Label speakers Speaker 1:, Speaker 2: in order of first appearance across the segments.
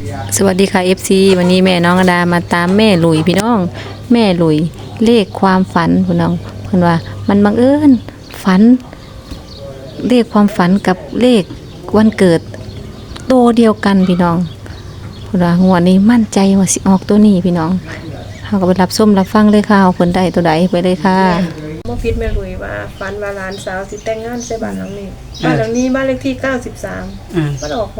Speaker 1: สวัสดีค่ะ FC วันนี้แม่น้องอดามาตามแม่หลุยพี่น้องแม่หลุยเลขความฝันพี่น้องเพิ่นว่ามันบังเอิญฝันเลขความฝันกับเลขวันเกิดโตเดียวกันพี่น้องเพิ่นว่างวดนี้มั่นใจว่าสิออกตัวนี้พี่น้องเฮาก็ไปรับชมรับฟังเลยค่ะเพิ่นได้ตัวใดไปเลยค่ะ
Speaker 2: เมื่อพิษแม่ลุยว่าฝันว่าหลานสาวสิแต่งงานใส่บ้านหลังนี้บ้านหลังนี้บ้านเลขที่93มันออก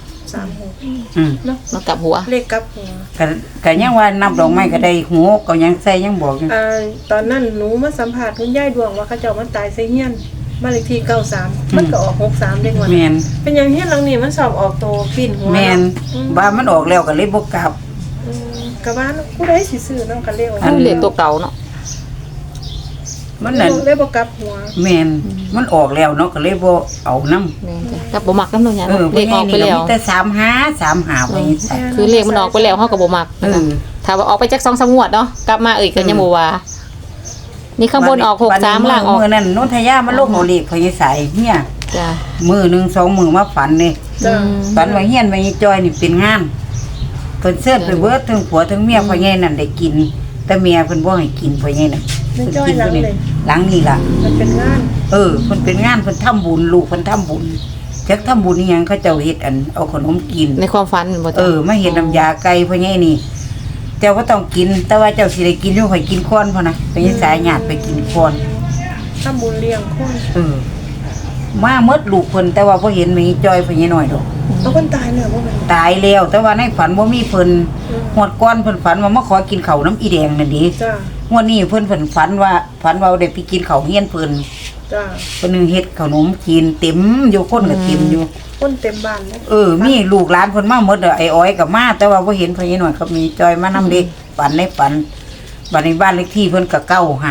Speaker 2: 6336เนาะ
Speaker 1: มากลับหัว
Speaker 2: เลขกลับหัว
Speaker 3: ก็ยังว่านับดอกไม้ก็ได้หูก็ยังใส่ยังบอกอยู่
Speaker 2: ตอนนั้นหนูมาสัมภาษณ์คุณยายดวงว่าเขาเจ้ามันตายใส่เฮียนบ้านเลขที่93มันก็ออก63ได้งวดเป็นอย่างเฮียนหลังนี้มันสอบออกโตปีนหัว
Speaker 3: แม่นว่ามันออกแล้วก็เลยบ่กลับ
Speaker 2: ก็ว่าผู้ใดสิซื้อเนาะก็เลขออก
Speaker 1: อันเลขตัวเก่าเนาะ
Speaker 3: มันนั่น
Speaker 2: เลยบ่กลับหัว
Speaker 3: แม่นมันออกแล้วเนาะก็เลยบ่เอานำ
Speaker 1: แม่นจ้ะกับบ่มักนำเนาะเนี่ยเลขออกไปแล้ว
Speaker 3: แต่35ไว้
Speaker 1: คือเลขมันออกไปแล้วเฮาก็บ่มักถ้าว่าออกไปจัก 2-3 งวดเนาะกลับมาก็ยังบ่ว่านี่ข้างบนออก63ล่างออก
Speaker 3: มื้อนั้นนนทยามันลงเอาเลขพญาสายเฮีย
Speaker 1: จ้ะ
Speaker 3: มื้อนึง2มื้อมาฝันนี่ฝันว่าเฮียนแม่จอยนี่เป็นงานเพิ่นเชิญไปเบิดทั้งผัวทั้งเมียพ่อใหญ่นั่นได้กินแต่เมียเพิ่นบ่ให้กินพ่อใหญ่น่ะ
Speaker 2: เพิ่นกินห
Speaker 3: ลังนี่ล่ะ
Speaker 2: มันเป็นงาน
Speaker 3: เพิ่นเป็นงานเพิ่นทำบุญลูกเพิ่นทำบุญจักทำบุญอีหยังเขาเจ้าเฮ็ดอันเอาขนมกิน
Speaker 1: ในความฝันบ่
Speaker 3: จ้ะมาเฮ็ดน้ำยาไก่พ่อใหญ่นี่เจ้าก็ต้องกินแต่ว่าเจ้าสิได้กินอยู่ข่อยกินก่อนพ่อนะไปสายญาติไปกินก่อน
Speaker 2: ทำบุญเลี้ยงคน
Speaker 3: มาหมดลูกเพิ่นแต่ว่าบ่เห็นมีจอยพ่อใหญ่น้อยดอก
Speaker 2: เอาคนตายแล้วบ่
Speaker 3: ตายแล้วแต่ว่าในฝันบ่มีเพิ่นหวดก่อนเพิ่นฝันว่ามาขอกินข้าวน้ำอีแดงนั่นดิ
Speaker 2: จ้ะ
Speaker 3: งวดนี้เพิ่นฝันว่าได้ไปกินข้าวเฮียนเพิ่น
Speaker 2: จ้ะ
Speaker 3: เพิ่นนึงเฮ็ดขนมกินเต็มอยู่คนก็เต็มอยู่
Speaker 2: คนเต็มบ้านแล้ว
Speaker 3: มีลูกหลานเพิ่นมาหมดไอ้อ้อยก็มาแต่ว่าบ่เห็นพ่อใหญ่น้อยก็มีจอยมานำเด็กฝันในฝันบัดนี้บ้านเลขที่เพิ่นก็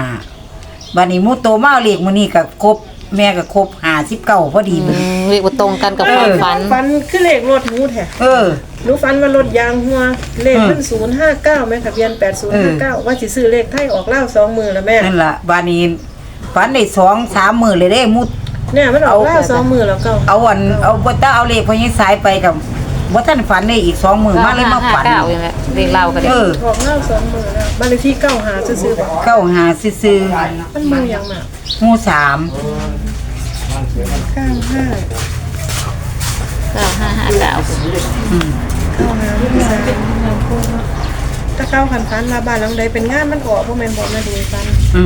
Speaker 3: 95บัดนี้หมู่โตมาเลขมื้อนี้ก็ครบแม่ก็ครบ59พอดี
Speaker 1: เลขบ่ตรงกันกับความ
Speaker 2: ฝันคือเลขรถหนูแท้หนูฝันว่ารถยางหัวเลขมัน059แม่ทะเบียน8059ว่าสิซื้อเลขไทยออกลาว2มื้อแล้วแม่
Speaker 3: นั่นล่ะบัดนี้ฝันได้2-3มื้อเลยเด้มุด
Speaker 2: เนี่ยมันออกลาว2มื้อแล้วก็
Speaker 3: เอาบ่ตาเอาเลขพ่อใหญ่สายไปกับบ่ทันฝันได้อีก2มื้อมาเลยมาฝัน
Speaker 1: 9อย่างนี้เลขลาวก็ได้
Speaker 2: ออกลาว2มื้อแล้วบ้านเลขที่95ซื่อๆบ่
Speaker 3: 95ซื่อ
Speaker 2: ๆมันมื้อหยังน่ะ
Speaker 3: หมู่3
Speaker 2: ถ้าเก้าขันฟันมาบ้านหลังใดเป็นงานมันออกพวกแม่นบ่มาดูกัน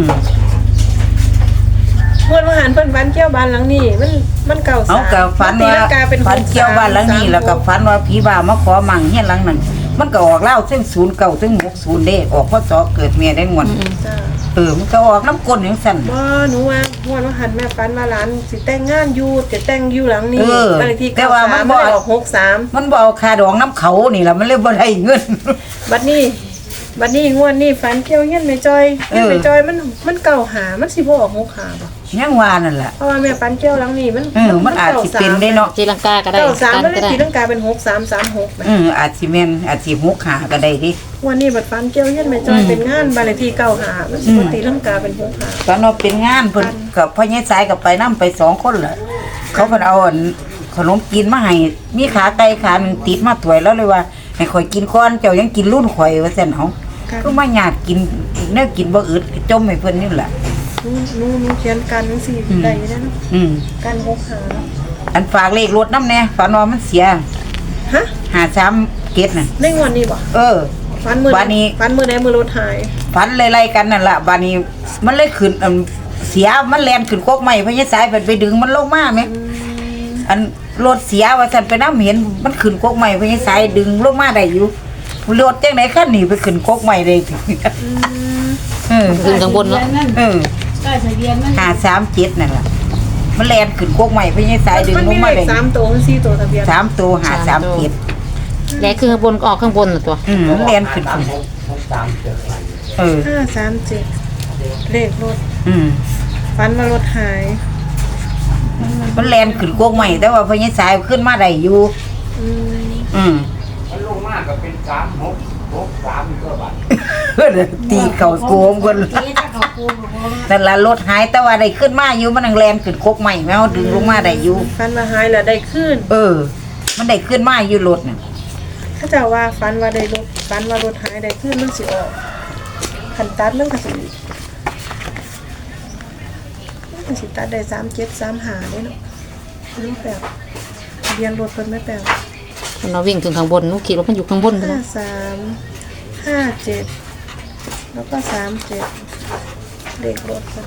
Speaker 2: เมื่อวันหันเพิ่นฝันเกี่ยวบ้านหลังนี้มันเก่า
Speaker 3: สามเอาก็ฝันว่าฝันเกี่ยวบ้านหลังนี้แล้วก็ฝันว่าผีบ้ามาขอมั่งเฮียนหลังนั้นมันก็ออกแล้วซึ่ง09ซึ่ง60เด้ออกพศเกิดเมียได้งวดมันก็ออกน้ำก้นจังซั่น
Speaker 2: บ่หนูว่าเมื่อวันหันแม่ฝันว่าหลานสิแต่งงานอยู่จะแต่งอยู่หลังนี้บ้านเลขที่
Speaker 3: แต่ว่ามันบ่ออก63มันบ่เอาค่าดองน้ำเขานี่ล่ะมันเลยบ่ได้เงิน
Speaker 2: บัดนี้งวดนี้ฝันเกี่ยวเฮียนแม่จอยเฮียนแม่จอยมันเก่าหามันสิบ่ออก65บ่
Speaker 3: ยังว่านั่นล่ะ
Speaker 2: เพราะว่าแม่ฝันเกี่ยวหลังนี้
Speaker 3: มันอาจสิเป็นได้เนาะ
Speaker 1: ตีลังกาก็ได้
Speaker 2: 93มันเลยตีลังกาเป็น6336
Speaker 3: อาจสิแม่นอาจสิ65ก็ได้ดิ
Speaker 2: วันนี้บัดฝันเกี่ยวเฮียนแม่จอยเป็นงานบ้านเลขที่95มันสิบ่ตีลังกาเป็น65
Speaker 3: ตอนเราเป็นงานเพิ่นกับพ่อใหญ่สายก็ไปนำไป2คนล่ะเขาเพิ่นเอาขนมกินมาให้มีขาไก่ขานึงติดมาถ้วยแล้วเลยว่าให้ข่อยกินก่อนเจ้ายังกินรุ่นข่อยว่าซั่นเฮาก็มาญาติกินแนวกินบ่อึดจมให้เพิ่นนี่ล่ะ
Speaker 2: หนูเขียนกันจังซี่ได้อยู่เด้เนาะกัน65
Speaker 3: อันฝากเลขรถนำแน่ฝันว่ามันเสีย
Speaker 2: ฮะ
Speaker 3: 53เกตน่ะ
Speaker 2: ในงวดนี้บ่ฝันมื้อใดมื้อรถหาย
Speaker 3: ฝันไล่ๆกันนั่นล่ะบัดนี้มันเลยขึ้นเสียมันแล่นขึ้นกกไม้พญาสายไปดึงมันลงมาแม่อันรถเสียว่าซั่นไปนำเห็นมันขึ้นกกไม้พญาสายดึงลงมาได้อยู่รถจังได๋คันนี้ไปขึ้นกกไม้ได้
Speaker 1: ขึ้นข้างบนเนาะ
Speaker 2: ได้ทะเบียนมัน
Speaker 3: 537นั่นล่ะมันแล่นขึ้นกกไม้พญาสายดึงลงมาได้
Speaker 2: 3ตัว4ตัวทะเบียน
Speaker 3: 3ตัว537
Speaker 1: แล้วคือข้างบนออกข้างบนน่ะตัว
Speaker 3: มันแล่นขึ้น
Speaker 2: 537เลขรถฝันว่ารถหาย
Speaker 3: มันแล่นขึ้นกกไม้แต่ว่าพญาสายขึ้นมาได้อยู่
Speaker 4: มันลงมาก็เป็น3663ก็บาท
Speaker 3: ตีเข่าโกงคนนั่นล่ะรถหายแต่ว่าได้ขึ้นมาอยู่มันแล่นขึ้นกกไม้แม่เฮาดึงลงมาได้อยู่
Speaker 2: ฝันว่าหายแล้วได้ขึ้น
Speaker 3: มันได้ขึ้นมาอยู่รถน่ะ
Speaker 2: เขาเจ้าว่าฝันว่าได้รถฝันว่ารถหายได้ขึ้นมันสิออกคันตัดมันก็สิตัดได้3735เด้เนาะนี่แบบทะเบียนรถเพิ่นไม่แปล
Speaker 1: มันเราวิ่งถึงข้างบนหนูคิดว่ามันอยู่ข้างบนพุ่นนะ
Speaker 2: 5357แล้วก็37เลขรถเพิ่น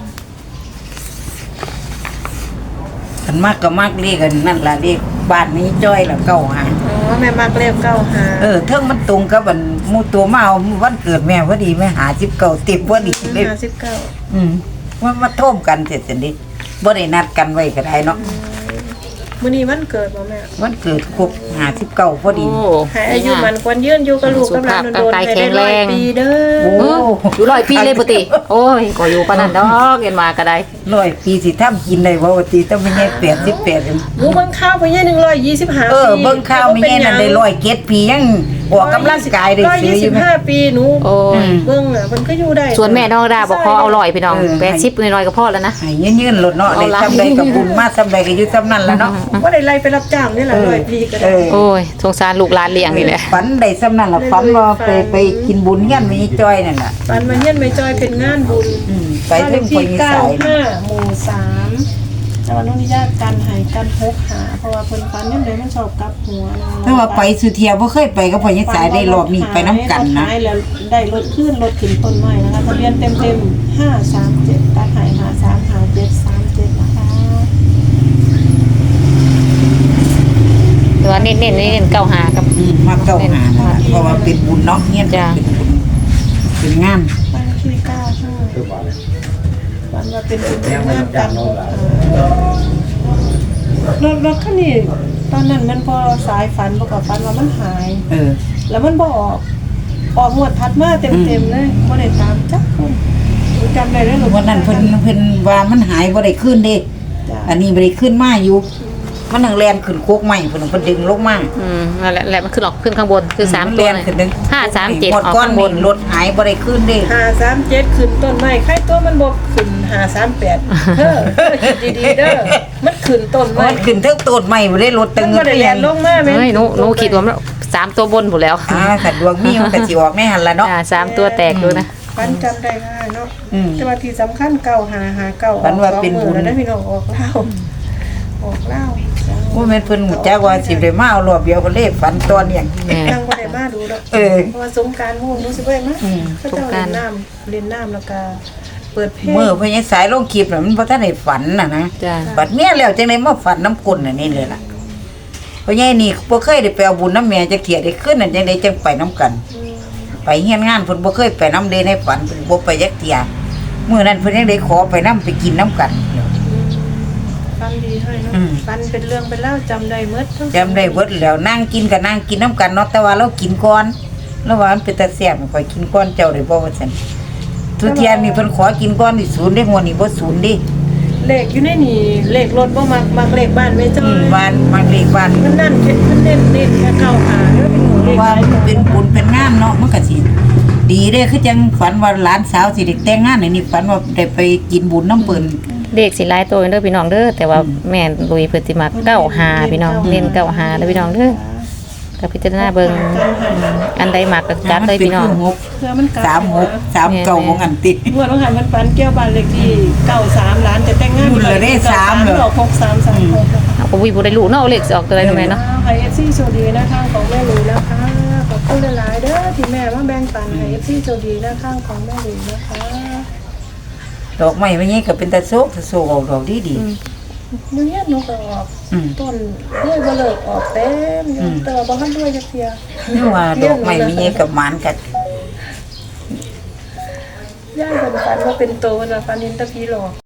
Speaker 3: อันมากก็มากเลขกันนั่นล่ะเลขบ้านนี้จ้อยละเก้าหา
Speaker 2: อ๋อแม่มักเลข95
Speaker 3: เทิงมันตรงกับอันหมู่ตัวมาเอาวันเกิดแม่พอดีแม่หา19ติบพอดีเลย
Speaker 2: 59
Speaker 3: มันมาท่วมกันเสร็จจังดิบ่ได้นัดกันไว้ก็ได้เนาะ
Speaker 2: มื้อนี้วันเกิดบ่แม่
Speaker 3: วันเกิดครบ59พอดี
Speaker 1: โอ้
Speaker 2: ให้อายุมันควรยืนอยู่กับลูกกับหลานโดนๆให้ได้100ปีเด้
Speaker 3: โอ้
Speaker 2: อ
Speaker 1: อยู่100 ปีเลยปกติโอ้ยก็อยู่ปานนั้นดอกเห็นมาก็ได้
Speaker 3: 100 ปีสิทำกินได้บ่ว่าติต้องมีแค่88เอง
Speaker 2: หมูเบิ่งข้าวไปเนี่ย125ปี
Speaker 3: เบิ่งข่าวมีแน่นั่นได้107ปียังออกกำลังกายได้ซื้ออยู่แม่
Speaker 2: 125ปีหนู
Speaker 1: โอ้ย
Speaker 2: เบิ่งอ่ะมันก็อยู่ได้
Speaker 1: ส่วนแม่น้องดาบอกขอเอา100พี่น้อง80น้อยๆก็พอแล้วนะ
Speaker 3: ให้ยืนๆรถเนาะได้
Speaker 1: เอาล่ะ
Speaker 3: ซำใดก็บุญมาซำใดก็อยู่ซำนั้นล่ะเนาะ
Speaker 2: บ่ได้ไล่ไปรับจ้างนี่ล่ะ100ปีก็ได้
Speaker 1: โอ้ยสงสารลูกหลานเลี้ยงนี่แหละ
Speaker 3: ฝันได้ซำนั้นล่ะฝันว่าไปกินบุญเฮียนมีจ้อยนั่นน่ะ
Speaker 2: ปันมาเฮียนไม่จอยเป็นงานบุญ
Speaker 3: ไปถึงคนอีสาน
Speaker 2: 95หมู่3แต่ว่าน้องนิยากันให้กัน6หาเพราะว่าเพิ่นฝันยังไดมันชอบกลับหัวนะ
Speaker 3: แต่ว่าไปสุเทียบ่เคยไปกับพ่อยังสายได้รอบนี้ไปน้ำกันนะ
Speaker 2: รถหายแล้วได้รถขึ้นรถขึ้นต้นไม้นะคะทะเบียนเต็มๆ537ตัดหาย535737นะคะ
Speaker 1: แต่ว่าเน้นๆเก้าหากับ
Speaker 3: มาเก้าหานะเพราะว่าเป็นบุญเนาะเฮียน
Speaker 1: จ้ะ
Speaker 3: เป็นบุญเป็นงาน
Speaker 2: บ้านที่95บ้านว่าเป็นบุญเป็นงานกันรถคันนี้ตอนนั้นมันพอสายฝันบ่ก็ฝันว่ามันหาย แล้วมันบ่ออกงวดถัดมาเต็มๆเลยบ่ได้ตามจักคนหนูจำได้เลยลูก
Speaker 3: วันนั้นเพิ่นว่ามันหายบ่ได้ขึ้นเด้
Speaker 2: จ้ะ
Speaker 3: อันนี้บ่ได้ขึ้นมาอยู่ มันนั่งแล่นขึ้นโคกใหม่เพิ่นดึงลงมา
Speaker 1: นั่นแหละมันขึ้นออกขึ้นข้างบนคือ3ตัว
Speaker 3: แล่นขึ้นดึง
Speaker 1: 537
Speaker 3: หม
Speaker 1: อ
Speaker 3: ด
Speaker 1: อก
Speaker 3: ก้อน
Speaker 1: ข้างบ
Speaker 3: นี่
Speaker 1: น
Speaker 3: รถหายบ่ได้ขึ้นเด้
Speaker 2: 537ขึ้นต้นไม้ใครตัวมันบ่ขึ้น538เด้อคิดดีๆเด้อมันขึ้นต้นไม้
Speaker 3: มันขึ้นเทิงต้นใหม่บ่ได้รถตึ
Speaker 2: มั
Speaker 3: ง
Speaker 2: นบ่ได้แล่นลงมาแม่
Speaker 1: เฮ้ยหนูคิดว่ามัน3ตัวบนหมดแล้ว
Speaker 3: ถ้าดวงมีมันก็สิออกแม่หั่นล่ะเนาะ
Speaker 1: 3ตัวแตกดูนะ
Speaker 2: ฝันจำได้ง่ายเนาะ
Speaker 3: อืม
Speaker 2: แต่ว่าที่สำคัญ9559
Speaker 3: ฝันว่าเป็นบุญ
Speaker 2: แล้วได้พี่น้องออกเหล้าจ้ะ
Speaker 3: ว่าแม่นเพิ่นฮู้จักว่าสิได้มาเอารอบเดียวก็เลยฝันตอนเนี่ย
Speaker 1: แม่
Speaker 2: ยังบ่ได้มาดูดอก
Speaker 3: เออ
Speaker 2: เพราะว่าสงกรานต์โหนูสิบ่ได้มาเขาเจ้าเล่นน้ำแล้วก็เปิดเพลง
Speaker 3: มื้อพ่อใหญ่สายลงคลิปน่ะมันบ่ทันได้ฝันน่ะนะ
Speaker 1: จ้ะ
Speaker 3: บัดเมียแล้วจังได๋มาฝันน้ำกลนอันนี้เลยล่ะเพราะไงนี่บ่เคยได้ไปเอาบุญน้ำแม่จักเที่ยได้ขึ้นนั่นจังได๋จังไปน้ำกัน ไปเฮียนงานเพิ่นบ่เคยไปน้ำเดในฝันเพิ่นบ่ไปจักเที่ยมื้อนั้นเพิ่นยังได้ขอไปน้ำไปกินน้ำกัน
Speaker 2: ฟันดีให้เนาะ
Speaker 3: อืม
Speaker 2: ฟันเป็นเรื่องเป็นเล่าวจำได้หมดทั้ง
Speaker 3: จำได้เบิดแล้วนั่งกินก็นั่งกินน้ำกันเนาะแต่ว่าเรากินก่อนแล้วว่ามันเป็นตาแซ่บข่อยกินก่อนเจ้าได้บ่ว่าซั่นทุกเที่ยนี่เพิ่นขอกินก่อนนี่ศูนย์ได้หัวนี่บ่ศูนย์เด้
Speaker 2: เลขอยู่ในนี่เลขรถบ่มักเลขบ้านแม่จ้อย
Speaker 3: บ้านมาเลขบ้าน
Speaker 2: มันนั่นมันเน้นแค่เก้าหาเด้อเป็นหนูเลข
Speaker 3: ว่ามันเป็นบุญเป็นงานเนาะมันก็สิดีเด้คือจังฝันว่าหลานสาวสิได้แต่งงานนี่ฝันว่าได้ไปกินบุญน้ำเปิ้น
Speaker 1: เด็กสิหลายตัวเด้อพี่น้องเด้อแต่ว่าแม่ลุยเพิ่นสิมา95พี่น้องเน้น95เด้อพี่น้องเด้อก็พิจารณาเบิ่งอันใดมักก็จัดเลยพี่น้อง
Speaker 2: เพื่อมันกลับ
Speaker 3: 36 ของอันติ
Speaker 2: งวดวันหันมันปันแก้วบ้านเลขที่93ล้านจะแต่งงาน
Speaker 3: รุ่นละได้3เหรอ
Speaker 2: ออก6336นะคะ
Speaker 1: เอาก็วิบ่ได้รู้เนาะเอาเลขสิออกตัวใดเนาะแม่เนาะ
Speaker 2: ให้ FC โชคดีนะข้างของแม่ลุยนะคะขอบคุณหลายๆเด้อที่แม่มาแบ่งปันให้ FC โชคดีนะข้างของแม่ลุยนะคะ
Speaker 3: ดอกไม้ไม่ใหญ่ก็เป็นตะโซกออกดอกดี
Speaker 2: หนูเนี่ยหนูก็ออก
Speaker 3: อืม
Speaker 2: ต้นด้วยบ่เลิกออกเต็มอยู่แต่ว่าบ่ทันด้วยจักเที่ย
Speaker 3: ๆนี่ว่าดอกไม้ไม่ใหญ่กับหมานกัน
Speaker 2: ย่ายเพิ่นฝันว่าเป็นโตเพิ่นว่าฝันเห็นแตะผีหลอก